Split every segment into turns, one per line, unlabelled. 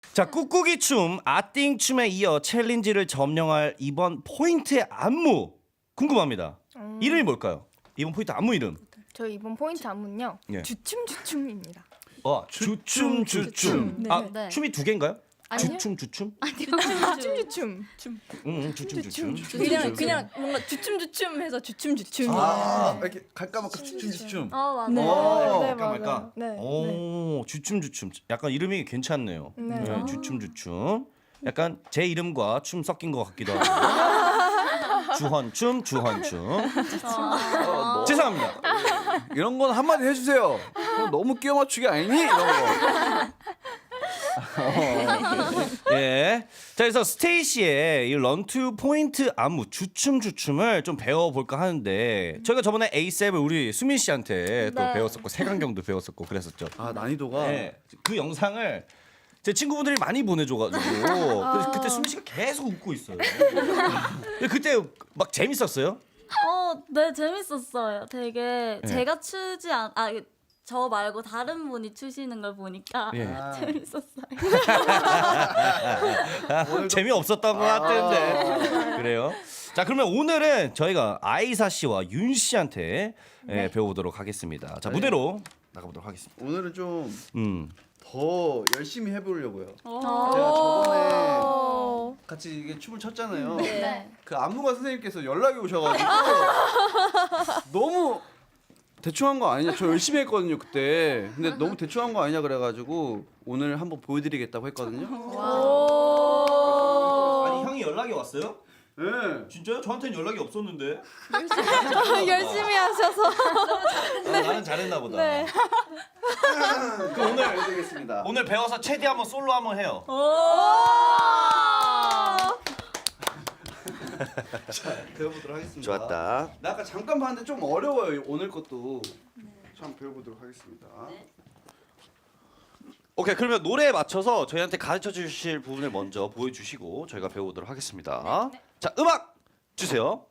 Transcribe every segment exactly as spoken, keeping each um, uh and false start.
자, 꾹꾹이 춤, 아띵 춤에 이어 챌린지를 점령할 이번 포인트의 안무 궁금합니다.
음.
이름이 뭘까요? 이번 포인트 안무 이름.
저 이번 포인트 안무는요.
예.
주춤 주춤입니다.
어, 주춤 주춤.
주춤.
아,
네.
춤이 두 개인가요?
아니요.
주춤 주춤?
주춤 주춤. 춤.
응, 응, 주춤 주춤.
그냥 그냥 뭔가 주춤 주춤 해서 주춤 주춤.
아, 이렇게 갈까 말까 춤춤춤.
어 맞아.
네.
어,
네,
말까
맞아요.
말까.
네.
오, 주춤 주춤. 약간 이름이 괜찮네요.
네.
네,
아.
주춤 주춤. 약간 제 이름과 춤 섞인 것 같기도 하고. 주헌춤, 주헌춤.
어, 뭐,
죄송합니다.
이런 건 한마디 해주세요. 그럼 너무 끼워 맞추기 아니니? 이런 거.
예. 자, 그래서 스테이시의 이 런투 포인트 안무 주춤 주춤을 좀 배워볼까 하는데 저희가 저번에 에이셉을 우리 수민 씨한테 또
네.
배웠었고 세강경도 배웠었고 그랬었죠.
아 난이도가.
네. 그 영상을 제 친구분들이 많이 보내줘가지고 그래서 그때 수민 씨가 계속 웃고 있어요. 근데 그때 막 재밌었어요?
어, 네 재밌었어요. 되게
네.
제가 추지 않, 아, 저 말고 다른 분이 추시는 걸 보니까
예.
아,
재밌었어요.
재미없었던 것 같은데 그래요. 자, 그러면 오늘은 저희가 아이사 씨와 윤 씨한테 예, 배워보도록 하겠습니다. 자,
네.
무대로 나가보도록 하겠습니다.
오늘은 좀 더
음.
열심히 해보려고요.
어.
제가 저번에
오.
같이 이게 춤을 췄잖아요.
네.
그 안무가 선생님께서 연락이 오셔가지고 너무 대충 한 거 아니냐. 저 열심히 했거든요 그때. 근데 너무 대충 한 거 아니냐 그래가지고 오늘 한번 보여드리겠다고 했거든요.
오.
아니, 형이 연락이 왔어요?
네.
진짜요? 저한테는 연락이 없었는데.
열심히 하셔서.
아, 나는 잘했나 보다.
네.
그 오늘 알려드리겠습니다.
오늘 배워서 최대 한번 솔로 한번 해요.
배워보도록 하겠습니다.
좋았다.
나 아까 잠깐 봤는데 좀 어려워요 오늘 것도. 좀 배워보도록 하겠습니다.
오케이, 그러면 노래에 맞춰서 저희한테 가르쳐 주실 부분을 먼저 보여주시고 저희가 배워보도록 하겠습니다. 자, 음악 주세요.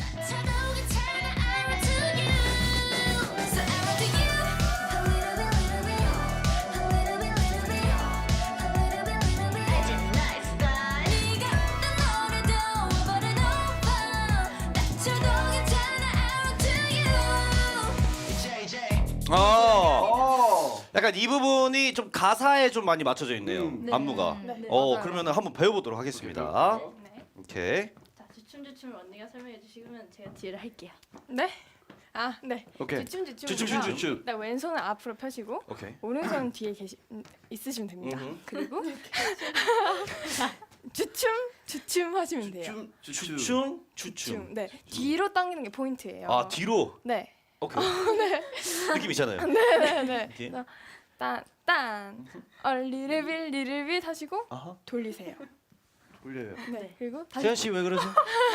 어,
어.
약간 이 부분이 좀 가사에 좀 많이 맞춰져 있네요.
음.
안무가.
네,
어,
맞아요.
그러면 한번 배워보도록 하겠습니다.
네.
오케이.
자, 주춤 주춤을 언니가 설명해 주시면 제가 뒤를 할게요.
네. 아, 네.
오케이.
주춤 주춤.
주춤, 주춤.
네, 왼손을 앞으로 펴시고
오케이.
오른손 뒤에 계시 음, 있으시면 됩니다.
음흠.
그리고 주춤 주춤 하시면 돼요.
춤, 추춤.
추춤, 추춤.
주춤. 네. 뒤로 당기는 게 포인트예요.
아, 뒤로.
네.
오케이. 느낌 있잖아요.
네, 네.
이렇게.
그래서 딴, 딴, 어, 리르빌, 리르빌 하시고
아하.
돌리세요.
올려요.
네, 그리고 다시
세현 씨 왜 그러세요?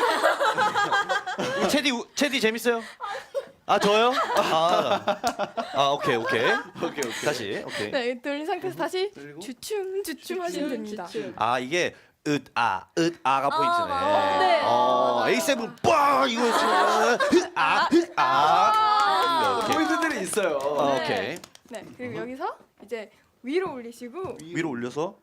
우리 체디 우- 체디 재밌어요? 아, 저요? 아, 아 오케이 오케이
오케이 오케이.
다시 오케이.
네, 돌린 상태에서 다시
그리고?
주춤, 주춤 하시면 됩니다.
아, 이게 으아 으아가 포인트네.
맞아요.
네.
어, 에이 세븐 빠 이거 있으면 으아 으아. 오케이.
포인트들이 있어요.
어,
네.
오케이.
네, 그리고 여기서 이제 위로 올리시고
위로 올려서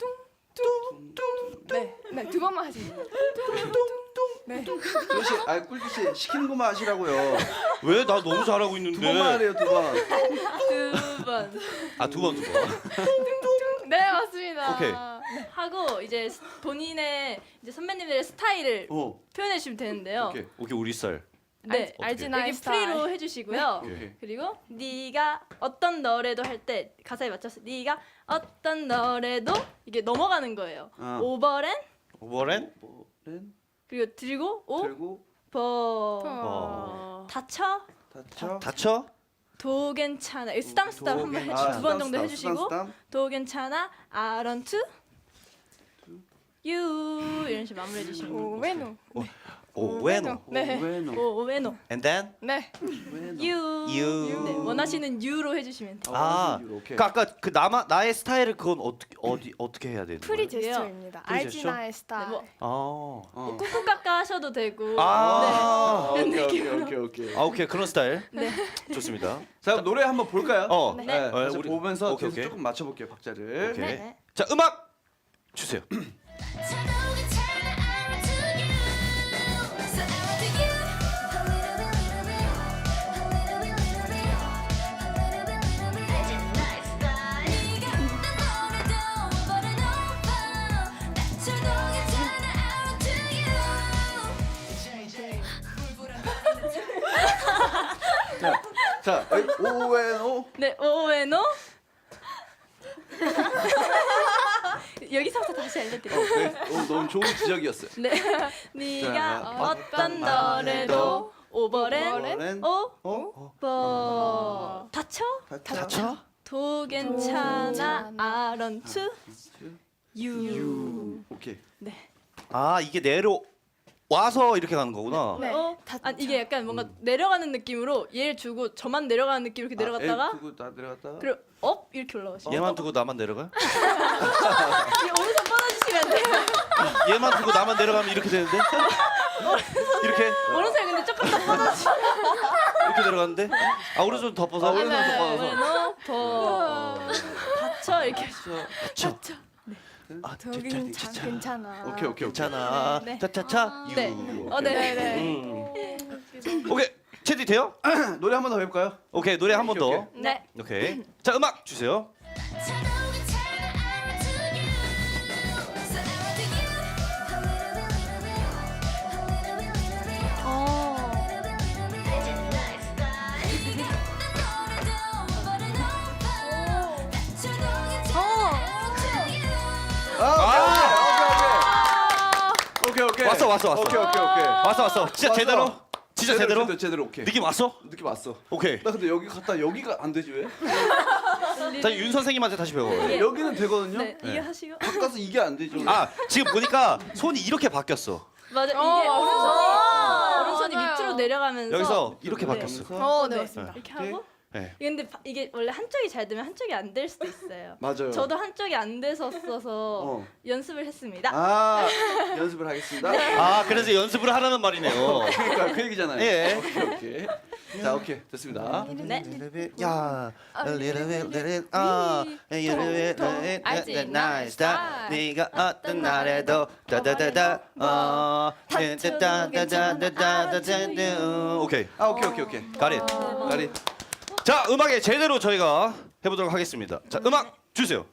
네, 네, 두 번만 하시면 돼요. 네,
조시, 아 꿀기 씨 시키는 것만 하시라고요.
왜 나 너무 잘하고 있는데?
두 번만 하래요 두 번.
두 번.
아, 두 번 두 번.
네 맞습니다.
오케이.
네.
하고 이제 스- 본인의 이제 선배님들의 스타일을
어.
표현해 주시면 되는데요.
오케이.
오케이, 우리 썰.
네.
알지
여기
나이 스타일.
프리로 해주시고요.
오케이.
그리고 네가 어떤 노래도 할 때 가사에 맞춰서 네가 어떤 노래도 이게 넘어가는 거예요.
아.
오버랜
오버랜
렌
그리고 들고
들고
오버
어.
다쳐
다쳐.
다쳐?
도 괜찮아 이거 쓰담 쓰담 한번
도
해주
괜-
두번
아,
정도
쓰담,
해주시고
쓰담, 쓰담.
도 괜찮아 I want to you 이런 식으로 마무리해 주시면 돼요.
오웨노.
오웨노.
네.
오웨노.
오 오웨노
And then
네.
오웨노.
you,
You.
네, 원하시는 you로 해주시면 돼요.
아,
오케이.
그 아까 그 나마 나의 스타일을 그건 어떻게 어디 어떻게 해야 되는
프리
거예요?
제스처입니다.
프리
알지
제스처?
나의 스타일.
네, 뭐
아,
어.
꾹꾹 깎아 하셔도 되고
아,
오케이 오케이 오케이 오케이.
아, 오케이, 그런 스타일.
네.
좋습니다.
자 그럼 노래 한번 볼까요?
어,
네.
네.
네.
그래서
우리-
보면서
오케이,
계속
오케이.
조금 맞춰볼게요 박자를.
오케이.
네.
자, 음악 주세요.
자, 자, 오웬오.
네, 오에노. 여기서부터 다시 알려드릴게요.
네, 오, 너무 좋은 지적이었어요.
네, 네가
자,
어떤 노래도 오버랜
오버랜
오
어?
버 다쳐
다쳐?
도 괜찮아
괜찮아.
아런투 유.
유. 오케이.
네.
아 이게 내려 와서 이렇게 가는 거구나.
네.
어? 아 이게 약간 뭔가 내려가는 느낌으로 얘를 주고 저만 내려가는 느낌 이렇게 내려갔다가
아, 애 두고 나 내려갔다가.
그리고 업 이렇게 올라가시죠.
얘만 두고 나만 내려가?
이 오른손 뻗어주시면 돼요.
얘만 두고 나만 내려가면 이렇게 되는데? 이렇게
오른손 근데 조금 더 뻗어주시면
이렇게 내려가는데? 아 오른손 덮어서.
아, 오른손
네.
덮어서.
오에노 버 다쳐 이렇게
다쳐. 아,
저기는 참 괜찮아.
오케이, 오케이, 오케이.
괜찮아.
네.
차차차. 유.
네. 어, 네, 네.
음. 오케이. 체디 돼요?
노래 한 번 더 해볼까요?
오케이 노래 한 번
오케이,
더.
네.
오케이. 자 음악 주세요.
아, 오케이, 오케이, 오케이. 오케이, 오케이.
왔어 왔어 왔어.
오케이, 오케이, 오케이.
왔어 왔어. 진짜
왔어.
제대로. 진짜 제대로.
제대로, 제대로, 오케이.
느낌 왔어?
느낌 왔어.
오케이.
나 근데 여기 갔다 여기가 안 되지 왜?
자 윤 선생님한테 다시 배워.
예.
여기는 되거든요.
네, 이게 하시고
바꿔서 이게 안 되죠.
아 지금 보니까 손이 이렇게 바뀌었어.
맞아 이게
어,
오른손이 오른손이
맞아요.
밑으로 내려가면서
여기서 이렇게
네.
바뀌었어.
어, 네,
네.
맞습니다.
이렇게
오케이.
하고
네.
근데 바- 이게 원래 한쪽이 잘 되면 한쪽이 안 될 수도 있어요.
맞아요.
저도 한쪽이 안 됐었어서
어.
연습을 했습니다.
아 연습을 하겠습니다.
아 그래서 연습을 하라는 말이네요.
그러니까 그 얘기잖아요.
예.
오케이 오케이. 자 오케이 됐습니다.
네.
야, a little bit, little bit, 아, a little bit, little bit,
알지?
that nice, that
나
네가 어떤 날에도 다다다다, 어, 다다다다다다다다. 오케이,
아 오케이 오케이 오케이.
got it.
가리.
자, 음악에 제대로 저희가 해보도록 하겠습니다. 자, 음악 주세요.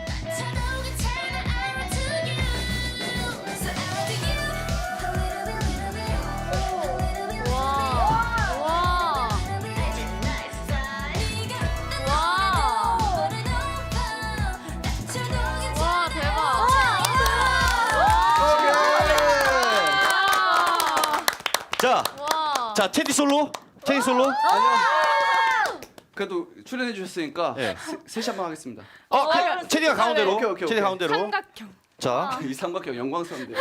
와. 와, 대박.
자,
와.
자, 테디 솔로, 테디 솔로.
아니요. 그래도 출연해 주셨으니까
예.
세- 셋이 한번 하겠습니다.
어, 그, 테디가 가운데로,
오케이, 오케이,
테디
오케이.
가운데로.
삼각형.
자,
이 삼각형 영광스러운데요.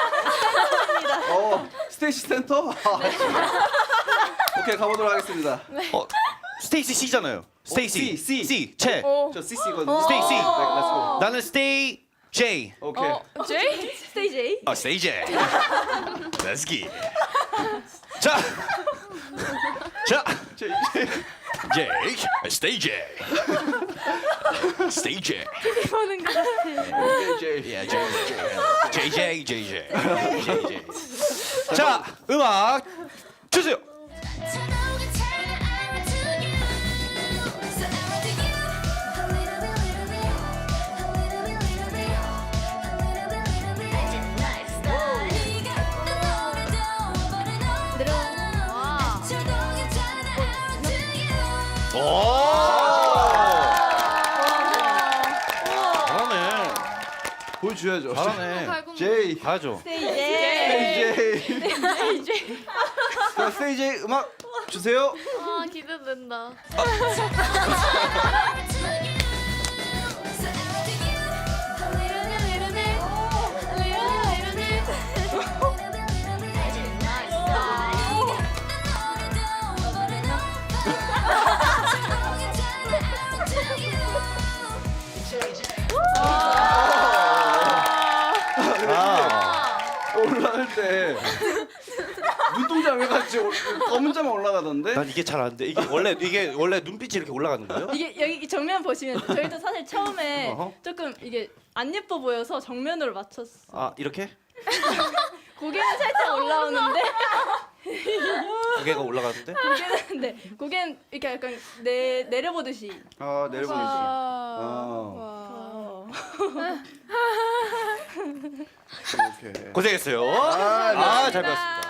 어 스테이시 센터. 아, 오케이 가보도록 하겠습니다.
어, 스테이시 C잖아요. 스테이시
C, C.
C, 채.
오.
저 씨씨거든요.
스테이시.
네, 렛츠고.
나는 스테이 J.
오케이.
어, 제이?
스테이지 A.
아, 스테이 J. Let's get. 자, 자,
저
J,
이제
스테이 J. 스테이 J.
보는 것 같아.
이제
Yeah, J, J, J, J, J, J, J. 자, 음악 주세요.
와.
오. 잘하네.
보여줘야죠.
잘하네.
팔공.
제이.
가야죠.
스테이지
제이.
스테이지
자 스테이지 음악 주세요.
아, 기대된다.
아,
올라갈 때 눈동자 왜 같이 올- 검은 자만 올라가던데?
난 이게 잘 안 돼. 이게 원래 이게 원래 눈빛이 이렇게 올라가는 거예요?
이게 여기 정면 보시면 저희도 사실 처음에
어허.
조금 이게 안 예뻐 보여서 정면으로 맞췄어.
아 이렇게
고개는 살짝 올라오는데
고개가 올라가는데?
고개는 네 고개는 이렇게 약간 내 내려보듯이.
아 내려보내지.
와.
아.
어.
이렇게.
고생했어요.
아, 네.
아 잘 배웠습니다.